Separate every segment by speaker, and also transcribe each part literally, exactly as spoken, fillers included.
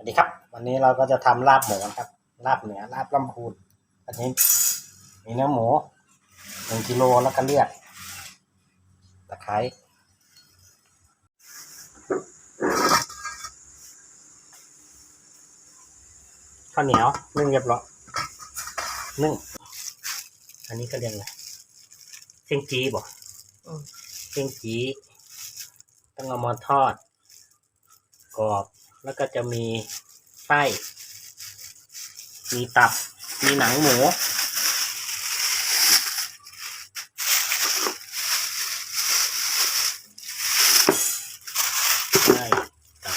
Speaker 1: สวัสดีครับวันนี้เราก็จะทำลาบหมูครับลาบเหนือลาบลำพูนอันนี้มีเนื้อหมูหนึ่งกิโลแล้วก็เลือดตะไคร้ข้าวเหนียวนึ่งเรียบร้อยนึ่งอันนี้ก็เรียกอะไรเส้นจีบ่เส้นจีต้องเอามาทอดกรอบแล้วก็จะมีไส้มีตับมีหนังหมูไส้ตับ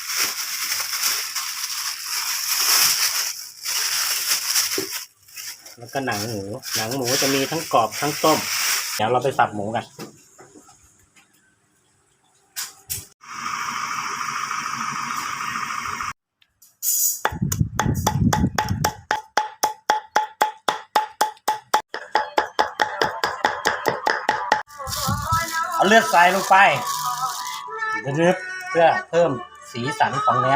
Speaker 1: แล้วก็หนังหมูหนังหมูจะมีทั้งกรอบทั้งต้มเดี๋ยวเราไปสับหมูกันเอาเลือดใส่ลงไปนึบๆเพื่อเพิ่มสีสันของเนื้อ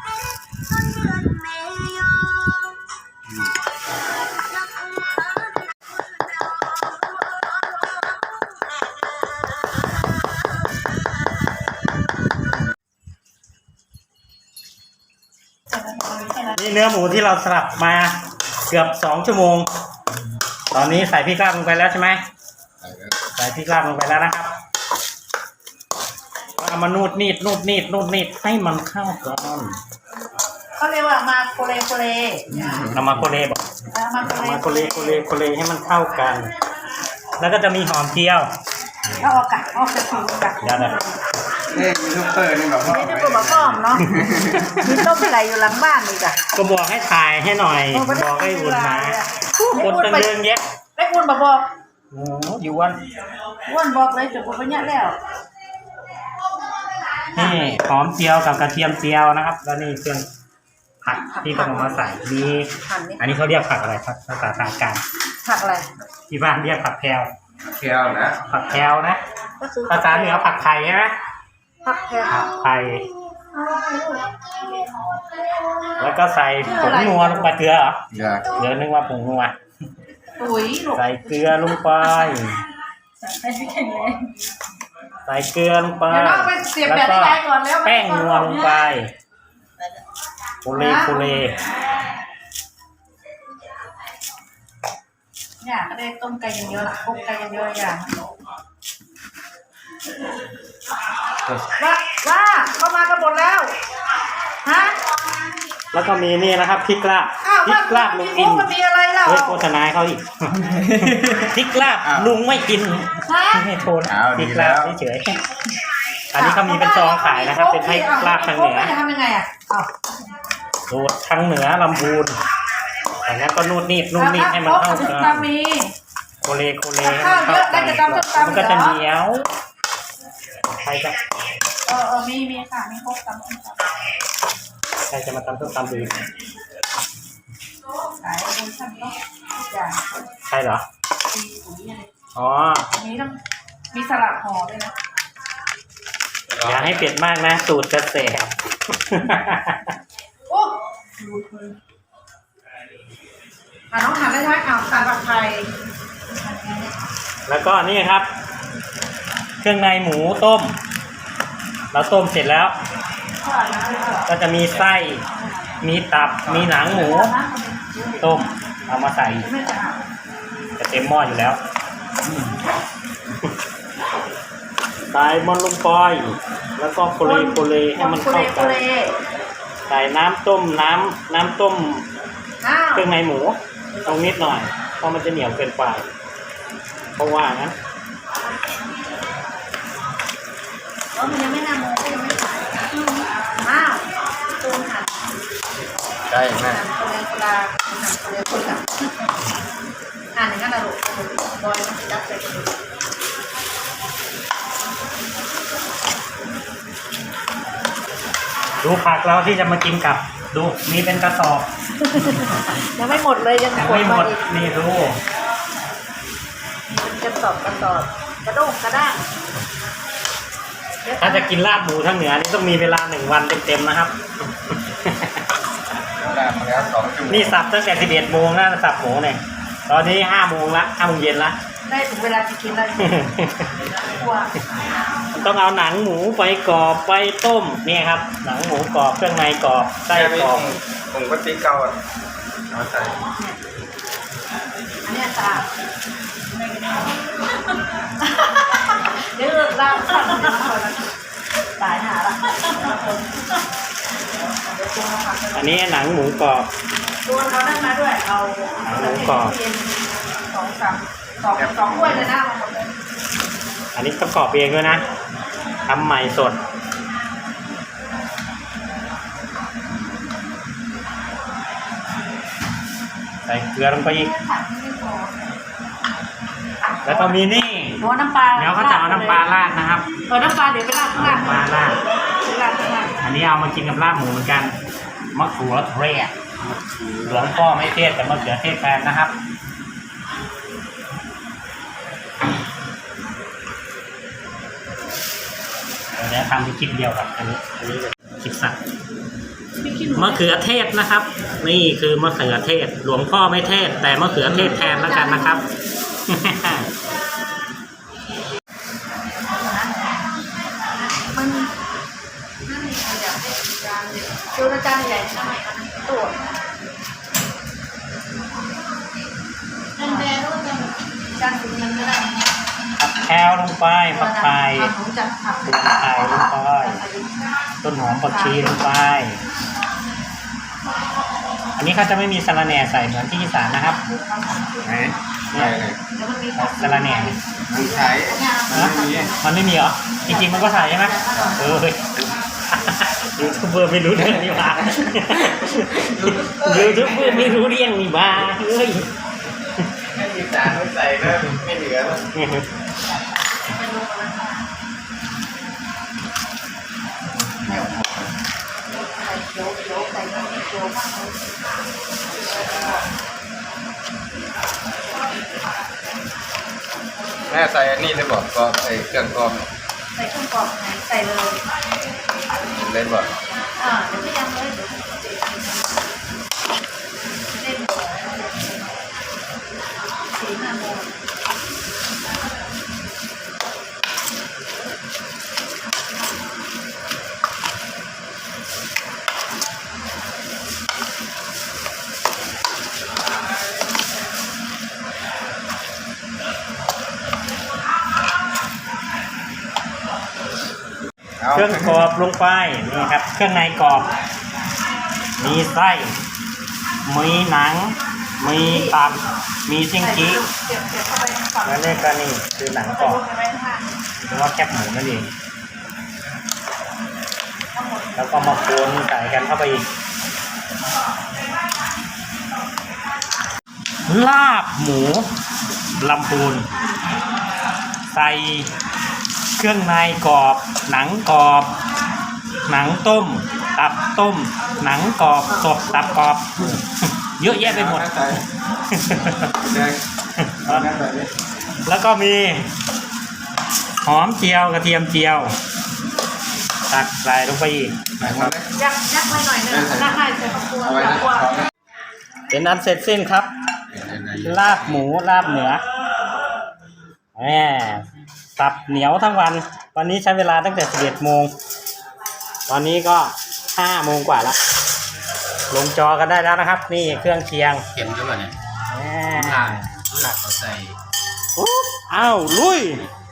Speaker 1: นี่เนื้อหมูที่เราสลับมาเกือบสองชั่วโมงตอนนี้ใส่พริกลาบลงไปแล้วใช่ไหมใส่พริกลาบลงไปแล้วนะครับเอามานูดนีดนูดนีดนูดนีดให้มันเข้ากัน
Speaker 2: เขาเรียกว่ามาโคเลโคเล
Speaker 1: เอามาโคเลบอกเอามาโคเลโคเลโคเลให้มันเข้ากัน แล้วก็จะมีหอมเจียว
Speaker 2: เอาออกกะเอากระถิ่นกะ
Speaker 1: เดี๋ยวนะ
Speaker 3: นี่ยูทูบเบอร์นี่แบบว่า
Speaker 2: นี่จะบอกป้อมเนาะมีต้มไก่อยู่หลังบ้านอีกอ่ะ
Speaker 1: ก็บอกให้ถ่ายให้หน่อยบอกให้อุ่นมาคนตั้งเดินเยอะ
Speaker 2: ไอ้อุ่นบอกบอก
Speaker 1: โอ้อยู่วัน
Speaker 2: วันบอกเลยจุดปุ๊บเนี่ยแล้ว
Speaker 1: นี่หอมเจียวกับกระเทียมเจียวนะครับแล้วนี่เครื่องผักที่กำลังมาใส่มีอันนี้เขาเรียกผักอะไรครับภาษาทางการ
Speaker 2: ผักอะไร
Speaker 1: ที่บ้านเรียกผักแพรว
Speaker 3: เคียวนะ
Speaker 1: ผักแพรวนะภาษาเหนือผักไผ่ใช่ไหม
Speaker 2: ผักแพรว
Speaker 1: ผักไผ่แล้วก็ใส่ผงนัวลงไปเกลือเหรอเกลือนึกว่าผงนัวใส่เกลือลงไปใส่เกลือลงไปแล้วก็แป้งนัวลงไปโคเลโคเล
Speaker 2: เนี่ยก็ได้ต้มไก่เยอะๆคุกไก่เยอะๆอย่างว่าว่าเข้ามากันหมดแล้วฮะ
Speaker 1: แล้วก็มีนี่นะครับพริกลาบพริกลาบลุงอิน
Speaker 2: มีอะไรเล่า
Speaker 1: เฮ้ยโฆษณาเขาอีกพริกลาบลุงไม่กินไม่โทนพริกลาบเฉยๆอันนี้เขามีเป็นซองขายนะครับเป็นพริกลาบทางเหนือ
Speaker 2: จะทำยังไงอ่ะ
Speaker 1: สูตรทางเหนือลำพูนอันนั้นก็นูดนีดนูดนีดให้มันเข้ากันโคเลโคเลให้มันเข้ากันมันก็จะเหนียวใครจะ
Speaker 2: เออเออมีมีค่ะมีครบตำส้มตำ
Speaker 1: ใครจะมาตำส้มตำดู
Speaker 2: ขายบนชั้นก็อย่าง
Speaker 1: ใช่เหรออ๋อ
Speaker 2: มีต้องมีสลัดห่อด้วยนะ
Speaker 1: อย่าให้เผ็ดมากนะสูตรจะแสบ
Speaker 2: โอ้อ่ะน้องหันได้ไหมอ่ะสาผักไทย
Speaker 1: แล้วก็นี่ครับเครื่องในหมูต้มเราต้มเสร็จแล้วก็จะมีไส้มีตับมีหนังหมูต้มเอามาใส่จะเต็มหม้ออยู่แล้วใส่มันลงไปแล้วก็โคเลโคเลให้มันเข้ากันใส่น้ำต้มน้ำน้ำต้มเครื่องในหมูตรงนิดหน่อยเพราะมันจะเหนียวเกินไปเพราะว่างั้น
Speaker 2: แล้วมันยังไม่นำโมก็ยังไม่ขายอ้าวตูนหัน
Speaker 3: ใช่ไหม
Speaker 2: คนเลยคนละคนเลยคนละอ่านอย่างนั้นนะลูกบอยมันจับใส่กระดูก
Speaker 1: ดูผักเราที่จะมากินกับดูมีเป็นกระสอบ
Speaker 2: ยังไม่หมดเลยยัง
Speaker 1: ไม่หมดนี่ดู
Speaker 2: เป็นกระสอบกระสอบกระด้งกระด้าง
Speaker 1: ถ้าจะกินลาบหมูทางเหนือนี่ต้องมีเวลาหนึ่งวันเต็มๆนะครับ
Speaker 3: มาแล้วสองชั่วโมง
Speaker 1: นี่สับตั้งแต่สิบเอ็ดโมงนะสับหมูเนี่ยตอนนี้ห้าโมงละห้าโมงเย็นละ
Speaker 2: ได้ถึงเวลาจะกินแล้วกลัว
Speaker 1: ต้องเอาหนังหมูไปกรอบไปต้มนี่ครับ หนังหมูกรอบเครื่องในกรอบไส้กรอบ
Speaker 3: ผมก็ติ๊กเกาอ่ะเอาใส่
Speaker 2: อันนี้สะอาดเดี๋ยวเราล่างสั่งเดี๋ยวมาคนละตายหาละคนเดี๋ยวตัวมาผัก
Speaker 1: อันนี้หนังหมูกรอบ
Speaker 2: ตัวเอานั่นมาด้วยเอาสองสามสองสองถ้วยเลยนะมาหมดเลย
Speaker 1: อันนี้ต้องกรอบเองด้วยนะทำใหม่สดใส่เกลือลงไปอีกแล้วก็มีนี่
Speaker 2: หัวน้ำปลา
Speaker 1: เดี๋ยวเขาจะเอาน้ำปลาราดนะครับ
Speaker 2: เออน้ำปลาเดี๋ยวไปราดข้างล่าง
Speaker 1: น้ำปลาราด
Speaker 2: ราดข้างล่าง
Speaker 1: อันนี้เอามากินกับลาบหมูเหมือนกันมะเขือเทศหลวงพ่อไม่เทศแต่มะเขือเทศแทนนะครับเดี๋ยวทำเป็นคลิปเดียวครับอันนี้อันนี้เป็นคลิปสั้นมะเขือเทศนะครับ นี่คือมะเขือเทศ หลวงพ่อไม่เทศแต่มะเขือเทศแทนแล้วกันนะครับ
Speaker 2: มันนั่นนี่ขยับให้จานเดียวดูนะจานใหญ่ทำไมอันนั้นตัวนั่นแดงก็จะจานสีเงินก็ได้
Speaker 1: ผักแคลลงไปผักไทย
Speaker 2: หนูจัดผัก
Speaker 1: ผักไทยลงไปต้นหอมผักชีลงไป อันนี้เขาจะไม่มีสะระแหน่ใส่เหมือนที่อีสานนะครับ
Speaker 3: ไหนใส่เลย
Speaker 2: แล้วมันมี
Speaker 1: สะระแหน่
Speaker 3: มันใช้
Speaker 1: นะมันไม่มีเหรอ จริงๆมันก็ใส่ใช่ไหมเออเฮ้ยยูทูบเบอร์ไม่รู้เรื่องนี่บ้ายูทูบเบอร์ไม่รู้เรื่องนี่บ้าเฮ้ย
Speaker 3: ไม่มีจานไม่ใส่แล้วไม่เหลือแล้ว
Speaker 2: ใส่เขียวเขียวใส่น้ำเขียวมากเลย
Speaker 3: แม่ใส่อันนี้เลยบอกก็ใส่เครื่องกรอง
Speaker 2: ใส่เครื่องกรอบไหนใส่เลย
Speaker 3: เลยบอก
Speaker 2: อ่าเดี๋ยวไม่ยังเลยเดี๋ยวเล่นสี่ห้าโมง
Speaker 1: เครื่องกรอบลงไปนี่ครับ เครื่องในกรอบ มีไส้มีหนัง มีตับมีซิงกี้
Speaker 2: เก็บเก็บเข้าไปฝั่ง
Speaker 1: แล้วนี่ก็นี่คือหนังกรอบ
Speaker 2: ไว้ข้างล่าง
Speaker 1: หรือว่าแคบหมูนั่นเอง
Speaker 2: ทั้งหมด
Speaker 1: แล้วก็มาคนใส่กันเข้าไปอีก ลาบหมูลำพูนใส่เครื่องในกรอบ หนังกรอบ หนังต้ม ตับต้ม หนังกรอบสดตับกรอบ เยอะแยะไปหมด
Speaker 3: ใส่แดงเอาแม่ใส่ดิ
Speaker 1: แล้วก็มีหอมเจียวกระเทียมเจียว ตักใส่ลงไปอีก
Speaker 3: ใส่หมดเลย
Speaker 2: ยักยักไว้หน่อยนึงน่าให้ใส่ข้าวคั่ว
Speaker 3: เอาไว้นะ
Speaker 2: ข้าวคั่ว
Speaker 3: เอาไว้
Speaker 1: เป็นอันเสร็จสิ้นครับ ลาบหมูลาบเหนือแหมสับเหนียวทั้งวัน วันนี้ใช้เวลาตั้งแต่สิบเอ็ดโมง ตอนนี้ก็ห้าโมงกว่าแล้วลงจอกันได้แล้วนะครับ นี่เครื่องเคียง
Speaker 3: เข็มด้วยเนี่ย
Speaker 1: แหม
Speaker 3: หนักหนักเขาใส่
Speaker 1: ปุ๊บอ้าวลุย
Speaker 3: เ